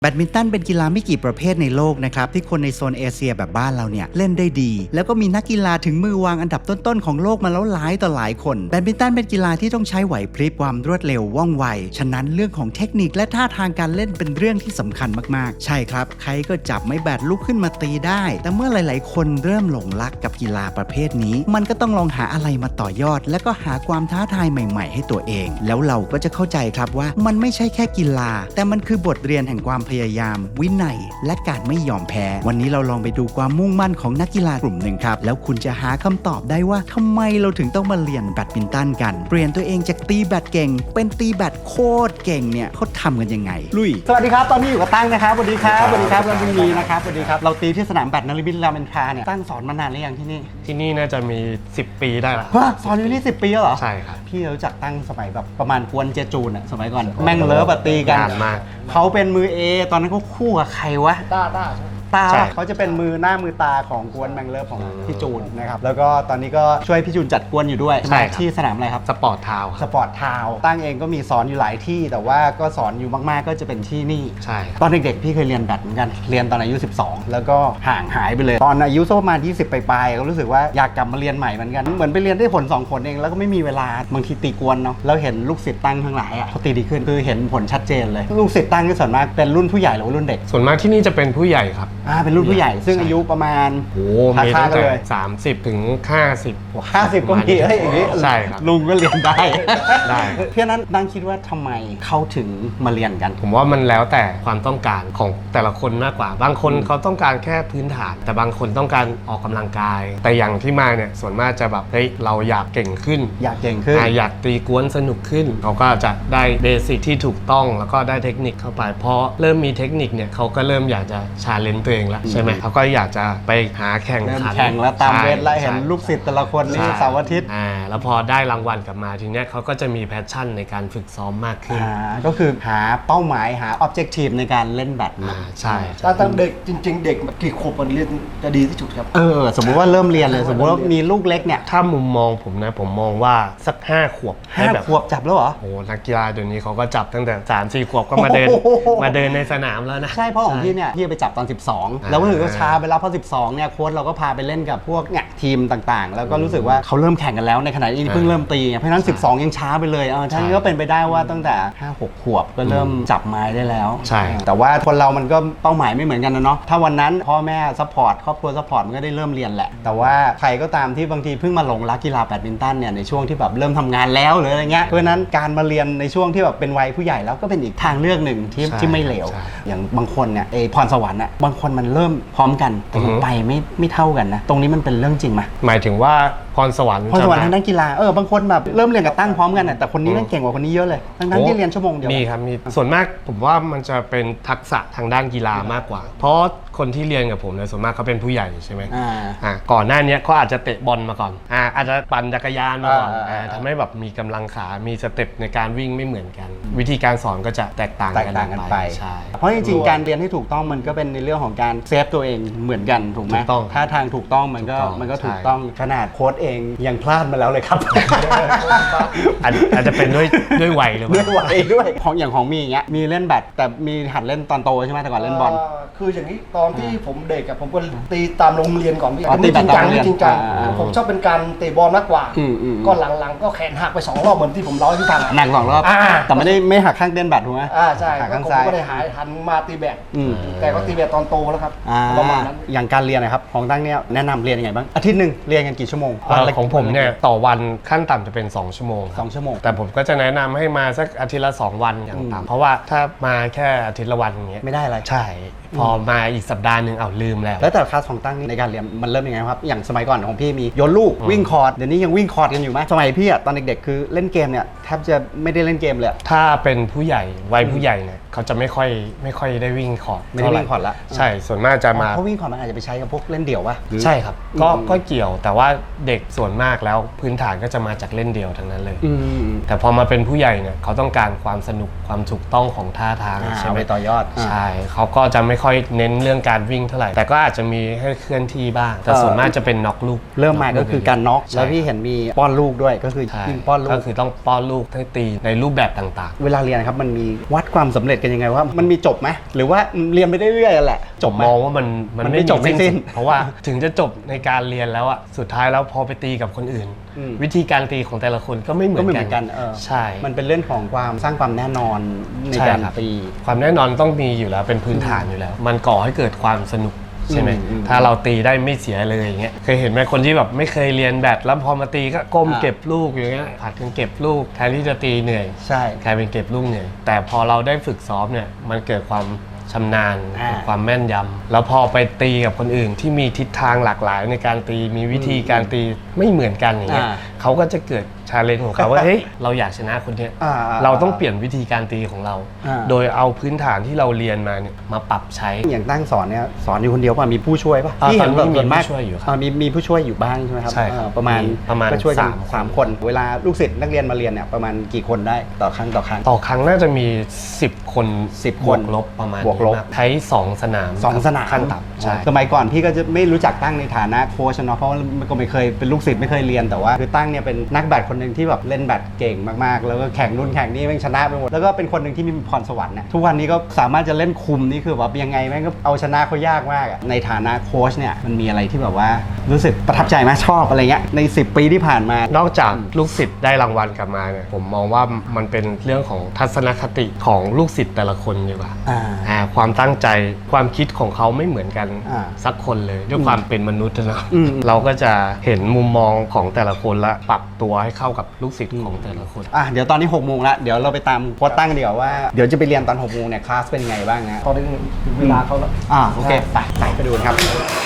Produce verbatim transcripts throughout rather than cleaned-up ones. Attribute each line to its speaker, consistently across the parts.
Speaker 1: แบดมินตันเป็นกีฬาไม่กี่ประเภทในโลกนะครับที่คนในโซนเอเชียแบบบ้านเราเนี่ยเล่นได้ดีแล้วก็มีนักกีฬาถึงมือวางอันดับต้นๆของโลกมาแล้วหลายต่อหลายคนแบดมินตันเป็นกีฬาที่ต้องใช้ไหวพริบความรวดเร็วว่องไวฉะนั้นเรื่องของเทคนิคและท่าทางการเล่นเป็นเรื่องที่สำคัญมากๆใช่ครับใครก็จับไม้แบดลุกขึ้นมาตีได้แต่เมื่อหลายๆคนเริ่มหลงรักกับกีฬาประเภทนี้มันก็ต้องลองหาอะไรมาต่อยอดและก็หาความท้าทายใหม่ๆให้ตัวเองแล้วเราก็จะเข้าใจครับว่ามันไม่ใช่แค่กีฬาแต่มันคือบทเรียนแห่งความพยายามวินัยและการไม่ยอมแพ้วันนี้เราลองไปดูความมุ่งมั่นของนักกีฬากลุ่มหนึ่งครับแล้วคุณจะหาคำตอบได้ว่าทำไมเราถึงต้องมาเรียนแบดมินตันกันเปลี่ยนตัวเองจากตีแบดเก่งเป็นตีแบดโคตรเก่งเนี่ยเขาทำกันยังไงลุย
Speaker 2: สวัสดีครับตอนนี้อยู่กับตั้งนะครับสวัสดีครับสวัสดีครับเรามีนะครับสวัสดีครับเราตีที่สนามแบดนฤมิตรามอินทราเนี่ยตั้งสอนมานานหรือยังที่นี่
Speaker 3: ที่นี่น่าจะมีสิบปีได้ละ
Speaker 2: ฮะสอนอยู่นี่สิบปีแล้วเหรอ
Speaker 3: ใช่ครับ
Speaker 2: พี่รู้จักตั้งสมัยแบบประมาณกวนเจจูนอะสมัยก่อนแม่งเลิฟอะตีกัน
Speaker 3: นานมาก
Speaker 2: เขาเป็นมือเอตอนนั้นเขาคู่กับใครวะ
Speaker 4: ต้าต้า
Speaker 2: ตาเขาจะเป็นมือหน้ามือตาของกวนแมงเลิฟของพี่จูนนะครับแล้วก็ตอนนี้ก็ช่วยพี่จูนจัดกวนอยู่ด้วย
Speaker 3: ใช่
Speaker 2: ที่สนามอะไรครับ
Speaker 3: สปอร์ตทาวน์
Speaker 2: สปอร์ตทาวน์ตั้งเองก็มีสอนอยู่หลายที่แต่ว่าก็สอนอยู่มากๆก็จะเป็นที่นี่
Speaker 3: ใช่
Speaker 2: ตอนเด็กๆพี่เคยเรียนแบดเหมือนกันเรียนตอนอายุสิบสองแล้วก็ห่างหายไปเลยตอนอายุสักประมาณยี่สิบปลายๆก็รู้สึกว่าอยากกลับมาเรียนใหม่เหมือนกันเหมือนไปเรียนได้ผลสองผลเองแล้วก็ไม่มีเวลาบางทีตีกวนเนาะแล้วเห็นลูกศิษย์ตั้งทั้งหลายอ่ะเขาตีดีขึ้นคือเห็นผลชัดเจนเลยลูกศิษย์ตั้งที่ส่วนมากเป็นรุ่นผู้ใหญ่หรือรุ่นเด็ก
Speaker 3: ส่วนมากที่นี่จะเป็นผู้ใหญ่ครับ
Speaker 2: อ่าเป็นรุ่นผู้ใหญ่ซึ่งอายุประมาณ
Speaker 3: โอ้มีตั้งแต่สามสิบถึงห้าสิบ
Speaker 2: ห้าสิบก็มีเฮ้ยอย่างนี้
Speaker 3: ใช่ครับ
Speaker 2: ลุงก็เรียนได้
Speaker 3: ได้
Speaker 2: เพราะนั้นดังคิดว่าทำไมเขาถึงมาเรียนกัน
Speaker 3: ผมว่ามันแล้วแต่ความต้องการของแต่ละคนมากกว่าบางคนเขาต้องการแค่พื้นฐานแต่บางคนต้องการออกกำลังกายแต่อย่างที่มาเนี่ยส่วนมากจะแบบเฮ้ยเราอยากเก่งขึ้น
Speaker 2: อยากเก่งขึ้น
Speaker 3: อยากตีกวนสนุกขึ้นเขาก็จะได้เบสิกที่ถูกต้องแล้วก็ได้เทคนิคเข้าไปพอเริ่มมีเทคนิคเนี่ยเขาก็เริ่มอยากจะชาเลนจ์ตัวเองแล้วใช่ไหมเขาก็อยากจะไปหาแข่งขัน
Speaker 2: แข่งแล้วตามเวทแล้วเห็นลูกศิษย์แต่ละคนนี่เสาร์อาทิตย์
Speaker 3: อ่าแล้วพอได้รางวัลกลับมาทีเนี้ยเขาก็จะมีแพชชั่นในการฝึกซ้อมมากขึ้น
Speaker 2: อ่าก็คือหาเป้าหมายหาออบเจกตีฟในการเล่นแบด
Speaker 3: อ่าใช่
Speaker 4: ถ้าตั้งเด็กจริงๆเด็กกี่ขวบมันเรียนจะดีที่สุดครับ
Speaker 2: เออสมมุติว่าเริ่มเรียนเลยสมมุติว่ามีลูกเล็กเนี่ย
Speaker 3: ถ้ามุมมองผมนะผมมองว่าสักห้าขวบ
Speaker 2: ห้าขวบจับแล้วเหรอ
Speaker 3: โอ้นักกีฬาเดี๋ยวนี้เขาก็จับตั้งแต่สามสี่ขวบก็มาเดินมาเดินในสนามแล้วนะ
Speaker 2: ใช่เพราะของพี่เนี่ยพี่ไปจับตอนสิบสองแล้วก็ถือว่าช้าไปแล้วเพราะสิบสองเนี่ยโค้ชเราก็พาไปเล่นกับพวกเนี่ยทีมต่างๆแล้วก็รู้สึกว่าเขาเริ่มแข่งกันแล้วในขณะที่เพิ่งเริ่มตีเพราะฉะนั้นสิบสองยังช้าไปเลยเออท่านก็เป็นไปได้ว่าตั้งแต่ห้าหกขวบก็เริ่มจับไม้ได้แล้ว
Speaker 3: ใช่
Speaker 2: แต่ว่าคนเรามันก็เป้าหมายไม่เหมือนกันนะเนาะถ้าวันนั้นพ่อแม่ซัพพอร์ตครอบครัวซัพพอร์ตมันก็ได้เริ่มเรียนแหละแต่ว่าใครก็ตามที่บางทีเพิ่งมาหลงรักกีฬาแบดมินตันเนี่ยในช่วงที่แบบเริ่มทำงานแล้วหรืออะไรเงี้ยเพราะฉะนั้นการมาเรียนในช่วงที่แบบเป็นวัยผู้ใหญ่แล้วก็เป็นอีกทางเลือกหนึ่งที่ที่ไม่เหลวอย่างบางคนเนี่ยไอพรสวรรค์อ่ะบางคนมันเริ่มพร้อมกันแต่ไปไม่ไม่เท่ากันนะตรงนี้มันเป็นเรื่องจริงไหม
Speaker 3: หมายถึงว่าพรสวรรค์
Speaker 2: พรสวรรค์ทางด้านกีฬาเออบางคนแบบเริ่มเรียนกับตั้งพร้อมกันแต่คนนี้นั่งเก่งกว่าคนนี้เยอะเลยทั้งนั้นที่เรียนชั่วโมงเดียว
Speaker 3: มีครับมีส่วนมากผมว่ามันจะเป็นทักษะทางด้านกีฬามากกว่าเพราะคนที่เรียนกับผมเนี่ยส่วนมากเขาเป็นผู้ใหญ่ใช่ไหมอ่าก่อนหน้านี้เขาอาจจะเตะบอลมาก่อนอ่าอาจจะปั่นจักรยานมาก่อนอ่าทำให้แบบมีกำลังขามีสเต็ปในการวิ่งไม่เหมือนกันวิธีการสอนก็จะแตกต่างกันไปใช่
Speaker 2: เพราะจริงๆการเรียนให้ถูกต้องมันก็เป็นในเรื่องของการเซฟตัวเองเหมือนกันถูกไหมถ้าทางถูกต้องมันก็มันก็ถูกต้องขนาดโค้ชเองยังพลาดมาแล้วเลยครับ
Speaker 3: อาจจะเป็นด้วยด้วยวัยหรือเปล่า
Speaker 2: ด้วยวัยด้วยของอย่างของมีอย่างเงี้ยมีเล่นแบดแต่มีหัดเล่นตอนโตใช่ไหมแต่ก่อนเล่นบอล
Speaker 4: คืออย่างนี้ตอนที่ผมเด็กกับผมก็ตีตามโรงเรียนก่อนพี่
Speaker 2: ตี
Speaker 4: จริงจังจริงจังผมชอบเป็นการเตะบอลมากกว่าก็หลังๆก็แขนหักไปสองรอบเหมือนที่ผมเล่าให้พี่ฟัง
Speaker 2: หนักสองรอบแต่ไม่ได้ไม่หักข้างเต้นแบดถูกไหม
Speaker 4: อ่าใช่ผมก็ได้หายหันมาตีแบดแต่ก็ตีแบดตอนโตแล้วครับประมาณนั้น
Speaker 2: อย่างการเรียนนะครับของตั้งเนี่ยแนะนำเรียนยังไงบ้างอาทิตย์หนึ่งเรียนกันกี่ชั่วโมง
Speaker 3: ของผมเนี่ยต่อวันขั้นต่ำจะเป็นสองชั่วโมง
Speaker 2: สองชั่วโมง
Speaker 3: แต่ผมก็จะแนะนำให้มาสักอาทิตย์ละสองวันอย่างต่ำเพราะว่าถ้ามาแค่อาทิตย์ละวันอย่างเงี้ย
Speaker 2: ไม่ได้อะไร
Speaker 3: ใช่พอมาอีกสัปดาห์หนึ่งเอาลืมแล้ว
Speaker 2: แล้วแต่คลาสของตั้งในการเรียนมันเริ่มยังไงครับอย่างสมัยก่อนของพี่มีโยนลูกวิ่งคอร์ดเดี๋ยวนี้ยังวิ่งคอร์ดกันอยู่ไหมสมัยพี่อะตอนเด็กๆคือเล่นเกมเนี่ยแทบจะไม่ได้เล่นเกมเลย
Speaker 3: ถ้าเป็นผู้ใหญ่วัยผู้ใหญ่เนี่ยเขาจะไม่ค่อยไม่ค่อยได้วิ่งคอร์ด
Speaker 2: ไม่ได้วิ่งคอร์ดละ
Speaker 3: ใช่ส่วนมากจะมา
Speaker 2: เพราะวิ่งคอร์ดมันอาจจะไปใช้กับพวกเล่นเดี่ยววะ
Speaker 3: ใช่ครับก็ก็เกี่ยวแต่ว่าเด็กกส่วนมากแล้วพื้นฐานก็จะมาจากเล่นเดี่ยวทั้งนั้นเลย
Speaker 2: อืม
Speaker 3: แต่พอมาเป็นผู้ใหญ่เนี่ยเขาต้องการความสนุกความถูกต้องของท่าทาง
Speaker 2: อ่า
Speaker 3: ใช่ไหม
Speaker 2: เอาไปต่อยอด
Speaker 3: ใช่เขาก็จะไม่ค่อยเน้นเรื่องการวิ่งเท่าไหร่แต่ก็อาจจะมีให้เคลื่อนที่บ้างแต่ส่วนมากจะเป็นน็อกลูก
Speaker 2: เริ่มมาก็คือการน็อก
Speaker 3: ใช่
Speaker 2: แล้วพี่เห็นมีป้อนลูกด้วยก็คือ
Speaker 3: ใช่
Speaker 2: ยิงป้อนลู
Speaker 3: ก็
Speaker 2: ก
Speaker 3: คือต้องป้อนลูกให้ตีในรูปแบบต่าง
Speaker 2: เวลาเรียนครับมันมีวัดความสำเร็จกันยังไงว่ามันมีจบไหมหรือว่าเรียนไปเรื่อยๆแหละจบไหม
Speaker 3: มองว่ามัน
Speaker 2: มันไม่จบไม่สิ้น
Speaker 3: สุดเพราะว่าถึงจะจบในการเรียนแล้วอะสุดท้ายแล้วพอไปตีกับคนอื่น
Speaker 2: อืม
Speaker 3: วิธีการตีของแต่ละคนก็ไม่เหมื
Speaker 2: ก็
Speaker 3: อน
Speaker 2: ไม่เห
Speaker 3: กั
Speaker 2: มื
Speaker 3: น
Speaker 2: อนกันเออ
Speaker 3: ใช่
Speaker 2: มันเป็นเรื่องของความสร้างความแน่นอนใน
Speaker 3: ใช่
Speaker 2: การ
Speaker 3: ครับ
Speaker 2: ตี
Speaker 3: ความแน่นอนต้องมีอยู่แล้วเป็นพื้นฐานอยู่แล้ว มันก่อให้เกิดความสนุกใช่ไหม
Speaker 2: อืมอืม
Speaker 3: ถ้าเราตีได้ไม่เสียเลยอย่างเงี้ยเคยเห็นไหมคนที่แบบไม่เคยเรียนแบดแล้วพอมาตีก็ก้ม
Speaker 2: อ่า
Speaker 3: เก็บลูกอย่างเงี้ยผัดกันเก็บลูกแทนที่จะตีเหนื่อย
Speaker 2: ใช่
Speaker 3: กลายเป็นเก็บลูกเหนื่อยแต่พอเราได้ฝึกซ้อมเนี่ยมันเกิดความชำนาญ
Speaker 2: อ่า
Speaker 3: เกิดความแม่นยำแล้วพอไปตีกับคนอื่นที่มีทิศทางหลากหลายในการตีมีวิธีการตีไม่เหมือนกันอย่างเงี้ย
Speaker 2: อ่า
Speaker 3: เขาก็จะเกิดชาเลนจ์ของเขาว่า เฮ้ยเราอยากชนะคนเนี้ย
Speaker 2: อ่า
Speaker 3: เราต้องเปลี่ยนวิธีการตีของเรา
Speaker 2: อ่า
Speaker 3: โดยเอาพื้นฐานที่เราเรียนมาเนี่ยมาปรับใช้
Speaker 2: อย่างตั้งสอนเนี่ยสอนอยู่คนเดียวป่ะมีผู้ช่วยป่ะ
Speaker 3: อ่า
Speaker 2: ที่เห็น
Speaker 3: ตอนนี้
Speaker 2: ส่วนมาก
Speaker 3: มีผู้ช่วยอยู่ครับ
Speaker 2: ามีมีผู้ช่วยอยู่บ้างใช่ไหมครับ
Speaker 3: ใช่ครับ
Speaker 2: เออประมาณ
Speaker 3: มีประมาณ
Speaker 2: ก็ช่วยกัน
Speaker 3: สามคน
Speaker 2: สามคน เวลาลูกศิษย์นักเรียนมาเรียนเนี่ยประมาณกี่คนได้ต่อครั้งต่อครั้ง
Speaker 3: ต่อครั้งน่าจะมีสิบคน
Speaker 2: สิบ
Speaker 3: บวก
Speaker 2: คน
Speaker 3: ลบประมาณ
Speaker 2: บวกลบ
Speaker 3: นี้ครับใช้สองสนาม
Speaker 2: สองสนาม
Speaker 3: ขั้นต่ำใช่
Speaker 2: สมัยก่อนพี่ก็จะไม่รู้จักตั้งในฐานะโค้ชเนาะเพราะว่ามันก็ไม่เคยเป็นลูกศิษย์ไม่เคยเรียนแต่ว่าคือตั้งเนี่ยเป็นนักแบดคนหนึ่งที่แบบเล่นแบดเก่งมากๆ แล้วก็แข่งรุ่นแข่งนี่แม่งชนะไปหมดแล้วก็เป็นคนหนึ่งที่มีพรสวรรค์นะทุกวันนี้ก็สามารถจะเล่นคุมนี่คือแบบยังไงแม่งก็เอาชนะเขายากมากอะในฐานะโค้ชเนี่ยมันมีอะไรที่แบบว่ารู้สึกประทับใจไหมชอบอะไรเงี้ยในสิบปีที่ผ่านมาน
Speaker 3: อกจากลูกศิษย์ได้รางวัลกลับมาเนี่ยผมมองว่ามันเป็นเรื่องของทัศนคติของลูกศิษย์แต่ละคนดีกว่า
Speaker 2: อ่า
Speaker 3: อ่าความตั้งใจความคิดของเขาไม่เหมือนกัน
Speaker 2: อ่า
Speaker 3: สักคนเลยด้วยความเป็นมนุษย์นะ
Speaker 2: อืม
Speaker 3: เราก็จะเห็นมุมมองของแต่ละคนและปรับตัวให้เข้ากับลูกศิษย์ของแต่ละคน
Speaker 2: อ่ะเดี๋ยวตอนนี้หกโมงละเดี๋ยวเราไปตามโค้ชตั้งเดี๋ยวว่าเดี๋ยวจะไปเรียนตอนหกโมงเนี่ยคลาสเป็นไงบ้างนะ
Speaker 4: ตอนนี้ถึงเวลาเขาแล้ว
Speaker 2: อ่าโอเคไปไปไปดูกันครับ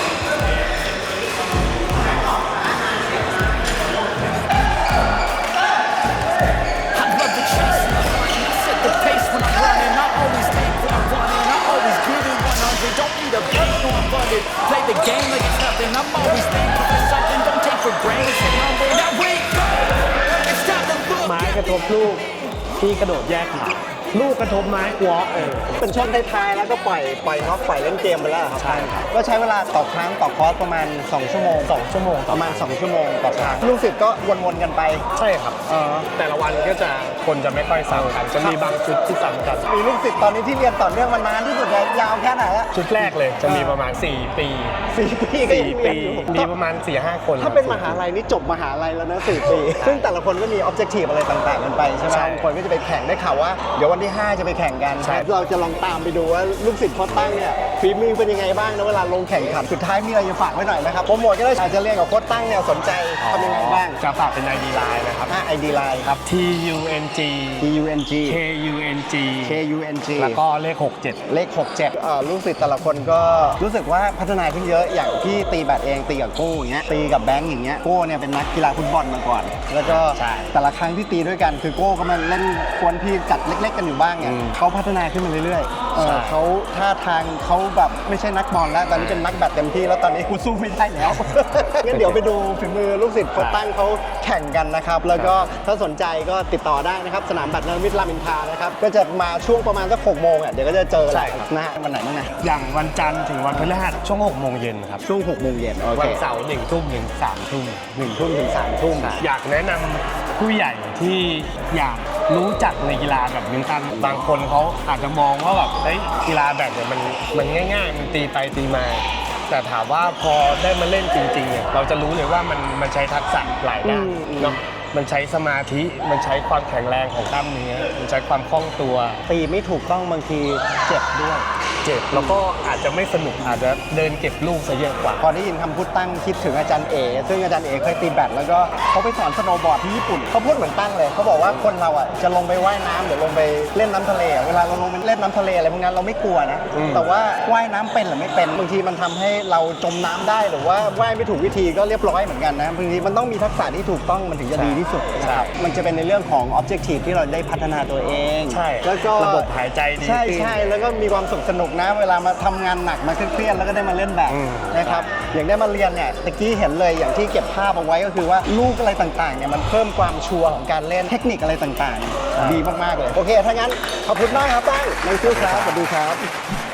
Speaker 5: Set the pace when I'm running. I always take what I want and I always give it one hundred. Don't need a break, no I'm funded. Play the game like it's nothing. I'm always thankful for something. Don't take for granted. Stay humble. Now wake up. It's time to look.
Speaker 3: ไม้กระทบลูกที่กระโดดแยกขาลูกกระทบไม้วอล์กเออ
Speaker 2: เป็นช่วงท้ายๆแล้วก็ปล่อยปล่อยน็อกปล่อยเล่นเกมไปแล้วครับใช่ครับก็ใช้เวลาต่อครั้งต่อคอร์สประมาณสองชั่วโมงสองชั่วโมงประมาณสองชั่วโมงต่อครั้งลูกศิษย์ก็วนๆกันไป
Speaker 3: ใช่ครับ
Speaker 2: เออ
Speaker 3: แต่ละวันก็จะคนจะไม่ค่อยซ้ำกันจะมีบางชุดที่ซ้ำกัน
Speaker 2: มีลูกศิษย์ตอนนี้ที่เรียนต่อเนื่องมานานที่สุดเลยยาวแค่ไหนอะ
Speaker 3: ชุดแรกเลยจะมีประมาณสี่ปี
Speaker 2: สี่ปีก็ยัง
Speaker 3: สี่
Speaker 2: เรีย
Speaker 3: ปี
Speaker 2: นอยู่
Speaker 3: มีประมาณสี่ห้าคน
Speaker 2: ถ้าเป็นมหาลัยนี่จบมหาลัยแล้วนะสี่ปี ซึ่งแต่ละคนก็มีออบเจกตีฟอะไรต่างๆกันไปใช่ไหม
Speaker 3: ใช่
Speaker 2: บางคนก็จะไปแข่งได้ข่าวว่าเดี๋ยววันที่ห้าจะไปแข่งกัน
Speaker 3: ใช่
Speaker 2: เราจะลองตามไปดูว่าลูกศิษย์โค้ชตั้งเนี่ยฝีมือเป็นยังไงบ้างนะเวลาลงแข่งขันสุดท้ายมีอะไรจะฝากไว้หน่อยนะครับโปรโมทก็ได้อาจจะเรียนกับโค้ชตั้งเนี่ยสนใจทำยังไงบ้าง
Speaker 3: จะฝากเป็น ไอ ดี Line นะครับ
Speaker 2: ถ้า ไอ ดี Line ครับ
Speaker 3: T U N G
Speaker 2: T U N G
Speaker 3: K U N G
Speaker 2: K U N G
Speaker 3: แล้วก็เลขหกเจ็ด
Speaker 2: เลขหกเจ็ดเอ่อลูกศิษย์แต่ละคนก็รู้สึกว่าพัฒนาขึ้นเยอะอย่างที่ตีแบดเองตีกับโก้อย่างเงี้ยตีกับแบงค์อย่างเงี้ยโก้เนี่ยเป็นนักกีฬาฟุตบอลมาก่อน แล้วก็
Speaker 3: ใช่
Speaker 2: แต่ละครั้งที่ตีด้วยกันคือโก้ก็มาเล่นกวนพี่จัดเล็ก ๆ กันอยู่บ้างเนี่ย
Speaker 3: อืม
Speaker 2: เขาพัฒนาขึ้นมาเรื่อยๆเออ
Speaker 3: ใช่
Speaker 2: เขาท่าทางเขาแบบไม่ใช่นักบอลแล้วตอนนี้เป็นนักแบดเต็มที่แล้วตอนนี้กูสู้ไม่ได้แล้ว งั้นเดี๋ยวไปดูฝีมือลูกศิษย์โค้ชตั้งเขาแข่งกันนะครับแล้วก็ถ้าสนใจก็ติดต่อได้นะครับสนามแบดนรมิตรรามอินทรานะครับก็จะมาช่วงประมาณสักหกโมงอ่ะเดี๋ยวก็จะเจอแหละนะฮะวันไหนบ้างนะ
Speaker 3: อย่างวันจันทร์ถึงวันพฤหัสช่วงหกโมงเย็นครับ
Speaker 2: ช่วงหกโมงเย็นโอ
Speaker 3: วั
Speaker 2: เคน
Speaker 3: เสาร์หนึ่งทุ่มถึงสามทุ่ม
Speaker 2: หนึ่งทุ่มถึงสามทุ่ม
Speaker 3: อยากแนะนำผู้ใหญ่ที่อยากรู้จักในกีฬาแบบมินตันบางคนเขาอาจจะมองว่าแบบเฮ้ยกีฬาแบบเนี่ยมันมันง่ายๆ มันตีไปตีมา แต่ถามว่าพอได้มาเล่นจริงๆเนี่ยเราจะรู้เลยว่ามันมันใช้ทักษะหลายด้านเนาะมันใช้สมาธิมันใช้ความแข็งแรงของกล้ามเนื้อมันใช้ความคล่องตัว
Speaker 2: ตีไม่ถูกต้องบางทีเจ็บด้วย
Speaker 3: เจ็บแล้วก็อาจจะไม่สนุกอาจจะเดินเก็บลูกซะเยอะกว่า
Speaker 2: พอได้ยินคำพูดตั้งคิดถึงอาจารย์เอซึ่งอาจารย์เอเคยตีแบดแล้วก็เขาไปสอนสโนว์บอร์ดที่ญี่ปุ่นเขาพูดเหมือนตั้งเลยเขาบอกว่าคนเราอ่ะจะลงไปว่ายน้ำหรือลงไปเล่นน้ำทะเลอะเวลาเราลงไปเล่นน้ำทะเลอะไรพวกนั้นเราไม่กลัวนะ
Speaker 3: อืม
Speaker 2: แต่ว่าว่ายน้ำเป็นหรือไม่เป็นบางทีมันทำให้เราจมน้ำได้หรือว่าว่ายไม่ถูกวิธีก็เรียบร้อยเหมือนกันนะบางทีมันต้องมีทักษะที่ถูกต้องมันถึงจะดีที่สุดนะครับมันจะเป็นในเรื่องของ objective ที่เราได้พัฒนาตัวเอง
Speaker 3: ใช่
Speaker 2: แล้วก็
Speaker 3: ระบบหายใจดี
Speaker 2: ใช่
Speaker 3: ขึ้น
Speaker 2: ใช่แล้วก็มีความสุขสนุกนะ เวลามาทำงานหนักมาเครียดๆแล้วก็ได้มาเล่นแบดนะครับอย่างได้มาเรียนเนี่ยตะกี้เห็นเลยอย่างที่เก็บภาพเอาไว้ก็คือว่าลูกอะไรต่างๆเนี่ยมันเพิ่มความชัวร์ของการเล่นเทคนิคอะไรต่างๆดีมากๆเลยโอเคถ้างั้นขอบคุณมากครับตั้งในชื่อครับสวัสดีครับ